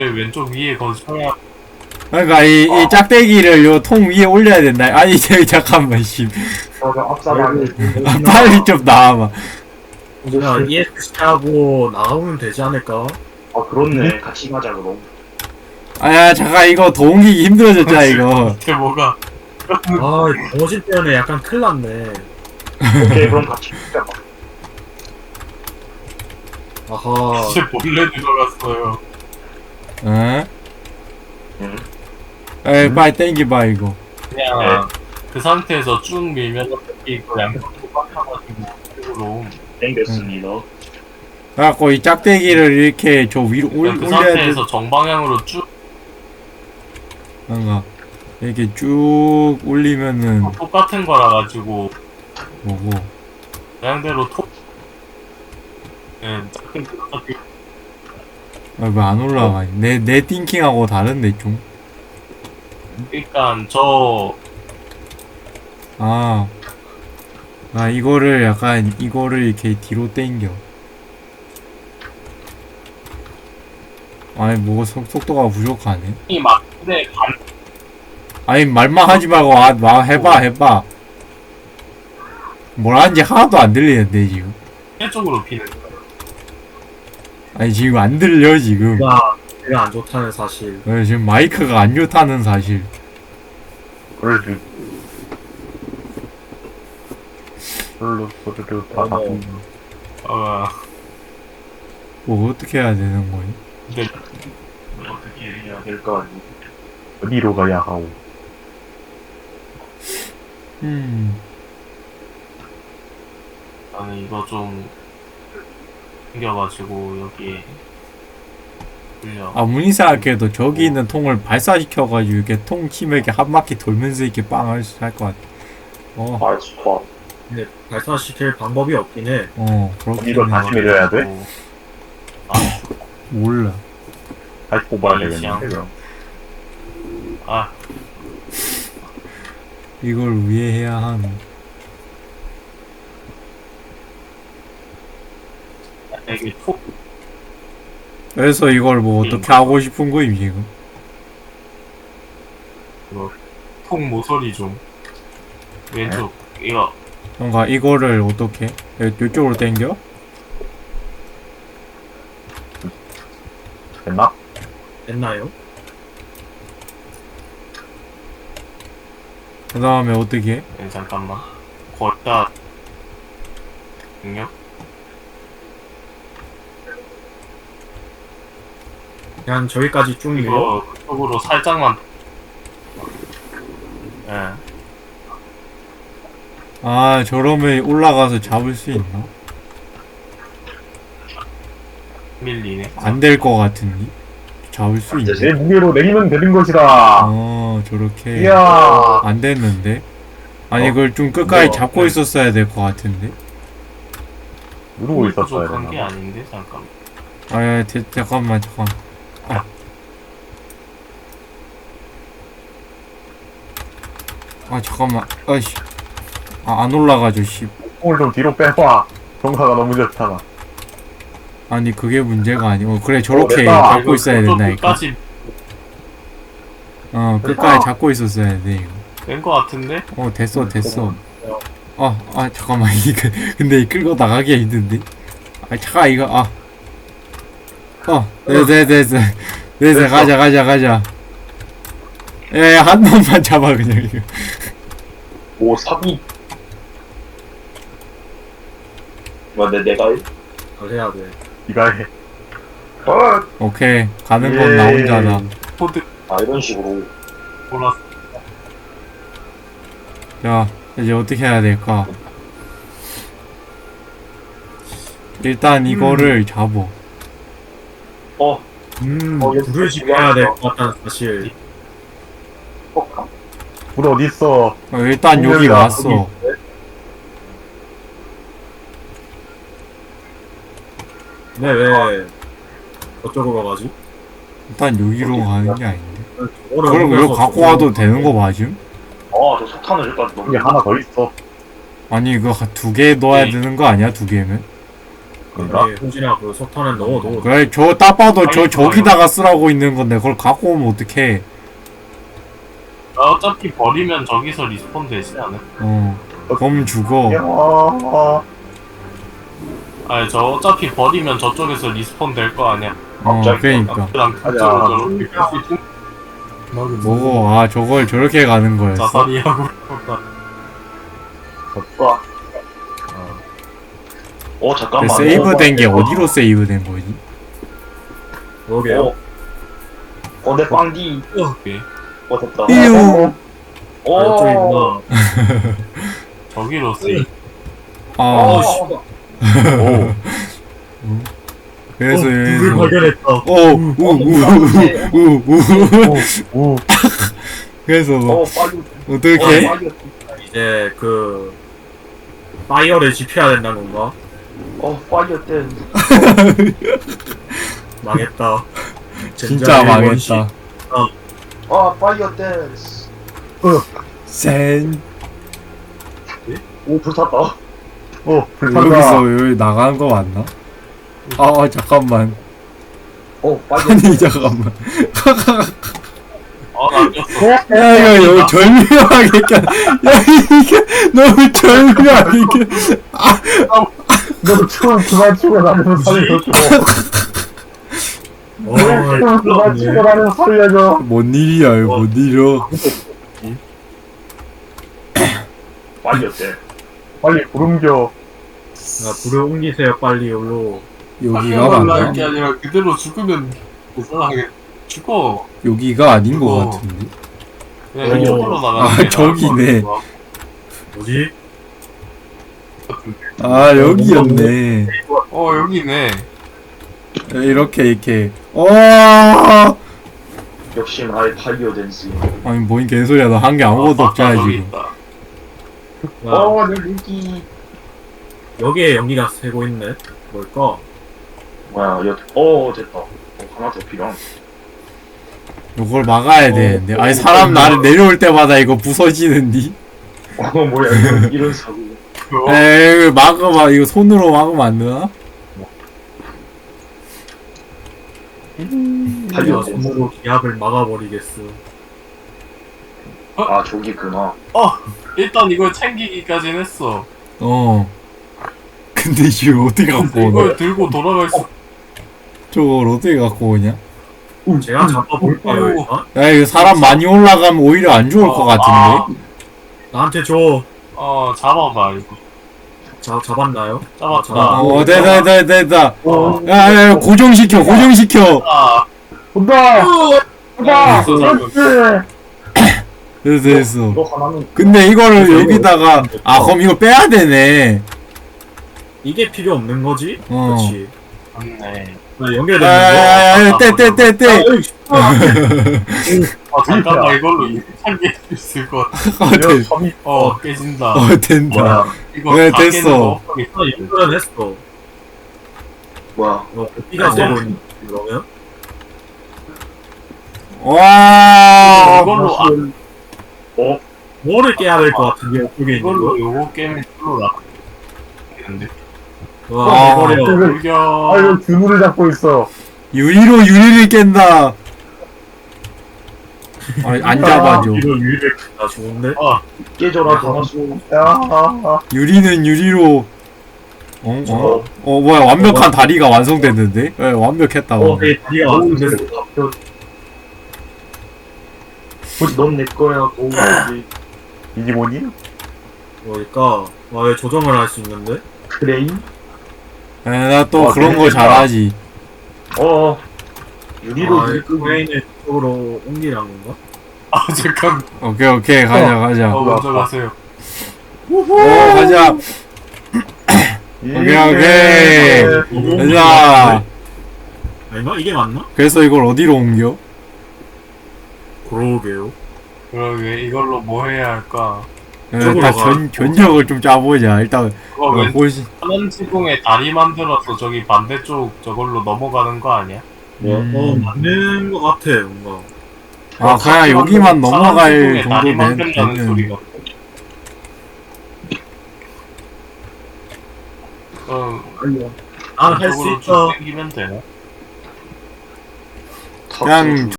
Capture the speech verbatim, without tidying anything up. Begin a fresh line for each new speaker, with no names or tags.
왼쪽 위에 거기 쳐야.
그러니까 이, 이 짝대기를 요 통 위에 올려야 된다. 아니 저기 잠깐만 씨.
저저 앞사방에
아, 빨리 좀 나와봐.
야, 이엑스하고 나가면 되지 않을까?
아 그렇네. 같이 가자 그럼.
아야 잠깐 이거 더 옮기기 힘들어졌잖아 이거.
이게 뭐가?
아, 거짓 때문에 약간 큰일 났네.
오케이 그럼 같이 가자.
아하.
이제 몰래 들어갔어요.
응?
응.
에이 빨리 땡겨봐 이거.
그냥 그 상태에서 쭉 밀면 어차피 이거 양쪽 똑같아가지고 이쪽으로.
땡겼습니다.
그래갖고 이 짝대기를 이렇게 저 위로 올,
그냥 그
올려야 돼.
상태에서 정방향으로 쭉
뭔가 이렇게 쭉 올리면은
똑같은 거라 가지고
뭐고.
그냥대로 톡. 예, 짝꿍 똑같이.
아, 왜 안 올라가니? 내, 내 띵킹하고 다른데 좀.
그러니까 저
아. 아 이거를 약간 이거를 이렇게 뒤로 당겨. 아니 뭐 속, 속도가 부족하네.
이 막근데 반
아니 말만 하지 말고 아, 마, 해봐 해봐. 뭘 하는지 하나도 안 들리는데 지금.
쪽으로 비는 거예요.
아니 지금 안 들려 지금.
야, 내가 안 좋다는 사실.
어, 지금 마이크가 안 좋다는 사실.
그럴 별로 소리를 다
어머.
바꾼
어,
뭐 어떻게 해야 되는 거니?
근데
어떻게 해야 될까?
어디로 가야 하오.
음.
나는 이거 좀 생겨가지고 여기에 돌려.
아무리 생각해도 저기 있는 통을 발사시켜가지고 이렇게 통 치면 이렇게 한 바퀴 돌면서 이렇게 빵 할 것 같아. 어,
아 좋아.
근데 발사시킬 방법이 없긴 해.
어, 그렇긴
이걸
해.
다시 밀어야 돼?
아,
몰라.
다시 뽑아야
이
되겠는데. 그럼.
아,
이걸 왜 해야 하노?
이게 톡
그래서 이걸 뭐 어떻게 하고 싶은 거임 지금?
톡 모서리 좀 왼쪽 이거
그러니까 이거를 어떻게? 이쪽으로 당겨?
됐나?
됐나요?
그 다음에 어떻게 해?
네, 잠깐만 거기다 능력
그냥 저기까지 쭉 밀어.
이거 그쪽으로 살짝만. 예.
아 저러면 올라가서 잡을 수 있나?
밀리네.
안 될 것 같은데? 잡을 수 있나?
내 무게로 내리면 되는 것이다.
어 저렇게
이야.
안 됐는데? 아니
어?
그걸 좀 끝까지
뭐,
잡고
네.
있었어야 될 것 같은데?
누르고 있었어야
부족한 게
되나?
아닌데 잠깐.
아 대, 잠깐만 잠깐. 아. 아 잠깐만. 아이씨. 아 안 올라가죠 씨.
콩을 좀 뒤로 빼봐. 정사가 너무 좋잖아.
아니 그게 문제가 아니고 그래 저렇게
됐다.
잡고 있어야 된다니까.
끝까지
어 끝까지 잡고 있었어야 돼 이거.
된 거 같은데?
어 됐어 됐어. 아, 아 잠깐만 이거 근데 끌고 나가기가 힘든데. 아 잠깐 이거 아. 어 됐어 됐어 됐어 가자 가자 가자. 야한 놈만 잡아 그냥 이거.
오 사비. 뭐내 내가 해?
잘 해야 돼.
이가 해.
아,
오케이 가는 건 나 혼자다.
코드
아 이런 식으로.
몰랐어.
자 이제 어떻게 해야 될까? 일단 이거를 잡어.
어.
음,
어, 이거
불을 지켜야 될 것 같다는 사실.
어.
불 어디 있어?
어, 일단 여기
분명이다.
왔어.
근데 왜 저쪽으로 가지?
일단 여기로 가는 게 아닌데.
저거를
그럼 이거
옮겨서
갖고
저쪽으로
와도 되는 거 맞음?
아저 석탄을 여기까지 넣는.
여기 하나 더 있어.
아니 이거 두 개 넣어야
네.
되는 거 아니야 두 개면?
그런가?
여기 호지나 그 석탄에 넣어 넣어.
그래 저 딱 봐도 저
아니,
저기다가 쓰라고 있는 건데 그걸 갖고 오면 어떡해.
어차피 버리면 저기서 리스폰 되지 않을까?
어 그럼 죽어.
야,
아니 저 어차피 버리면 저쪽에서 리스폰 될 거 아니야.
어
갑자기
그러니까
그랑
가자.
그쪽으로 저렇게 갈수 있고
뭐고 아 저걸 저렇게 가는 거였어.
자살이 하고 싶었다.
와. 어 잠깐만.
세이브 된 게
어,
어디로 세이브 된 거지?
그러게요.
어. 어, 내 빵디.
오케이.
어, 됐다.
삐용.
오.
아, 이쪽이구나.
저기로 세이.
아
어, 씨발.
오,
그래서
어, 불을
여기서
발견했다.
어우우우우우
오,
그래서
어, 빨리.
어떻게?
어, 빨리.
이제 그 파이어를 지켜야 된다는 건가?
어, 파이어 때.
망했다.
진짜
젠장의 원시.
망했다.
아, 파이어 댄스.
센
오, 불탔다.
오, 불탔다.
여기서 여기 나가는 거 맞나? 아 아, 잠깐만.
어, 파이어
아니
댄스.
잠깐만.
어나 꼈어.
야 이거 여기 절묘하게 껴. 야 이게 너무 절묘하게 껴.
너 춤 그만 추고 나를 살려줘.
어,
춤 그만 추고 나를 살려줘.
뭔 일이야 이거 뭔 일이야?
파이어 때.
빨리 구름겨.
야, 불을 옮기세요 빨리 여기로.
여기가
올라갈
맞나?
게 아니라 그대로 죽으면 이상하게 죽어.
여기가 아닌 거
어.
같은데.
그냥
어.
이쪽으로 나가는
아,
게 나을
저기네.
것
뭐지?
같은데.
아 여기였네.
어 여기네.
이렇게 이렇게. 어.
역시 나의 파이어 댄스.
아니 뭔 개소리야 나 한 게 아무것도
아,
없잖아
저기
지금.
있다.
야,
어, 내 무기.
여기에 연기가 새고 있네. 뭘까?
뭐야, 여, 어, 됐다. 어, 하나 더 필요한.
이걸 막아야 되는데. 아니 사람 나를 내려올 때마다 이거 부서지는디.
어, 뭐야, 이런, 이런 사고.
그거
에이 막아봐 이거 손으로 막으면 안 되나?
파이어
야,
댄스.
손으로 기압을 막아버리겠어.
아, 저기구나.
일단 이걸 챙기기까진 했어.
어. 근데 이걸 어떻게 갖고 오냐?
이걸 들고 돌아갈 수.
저걸 어떻게 갖고 오냐?
제가 잡아볼까요 일단?
야 이거 사람 많이 올라가면 오히려 안 좋을 것 같은데.
나한테 줘.
어 잡아봐 이거.
자, 잡았나요?
잡았다.
아,
어 됐다 됐다 됐다.
어,
야야 고정시켜 고정시켜.
아,
온다! 온다!
어,
그렇지!
됐어 됐어.
너 하나는.
근데 이거를 여기다가 아 그럼 이거 빼야 되네.
이게 필요 없는 거지?
어.
그렇지.
맞네.
나 연결되는 거.
야야야 떼떼떼 떼.
아 잠깐만 이걸로 이상하게 있을 것 같아.
어
이거
된.
섬이
어 깨진다.
어 된다.
뭐야,
이거
네,
다
됐어.
깨는 거 없어.
아, 연결은 했어.
뭐야.
어, 피가 세고 있는 그러면?
와.
이걸로 아,
어,
뭐를 깨야 될 것 같은데 이쪽에 있는
이걸로
거?
요거 깨면 이걸로 나겠는데.
와,
아,
버려.
아,
돌겨.
이거 그물을 잡고 있어.
유리로 유리를 깬다. 아니 안 잡아줘.
이거 유일을 나 좋은데?
깨져라, 강화수.
야, 아, 아.
유리는 유리로. 어? 어? 어 뭐야 완벽한 다리가 완성됐는데? 예 완벽했다.
어, 내 다리가 완성됐어.
넌내 거야, 도우지.
이게 뭐니?
그러니까 와, 왜 조정을 할 수 있는데?
크레인?
나 또
어,
그런 거
재밌겠다.
잘하지.
어, 유리로
아,
유리 끄기.
크레인을 쪽으로 옮기란 건가?
아 잠깐.
오케이 오케이 가자 가자.
어 먼저 가세요.
오 가자. 오케이 오케이. 가자.
아닌가? 이게 맞나?
그래서 이걸 어디로 옮겨?
그러게요.
그러게 이걸로 뭐 해야 할까?
일단
저거로 가.
견, 견적을 좀 짜보자. 일단
그거
어,
왜
보시.
하늘 지붕에 다리 만들어서 저기 반대쪽 저걸로 넘어가는 거 아니야?
음.
어, 맞는 것 같아, 뭔가.
아 그냥 여기만 넘어갈
지붕에 다리
정도면
만든다는
되는.
소리가. 음,
아, 할 수
이쪽으로
있어.
쭉 당기면 되나?
탑
그냥
좀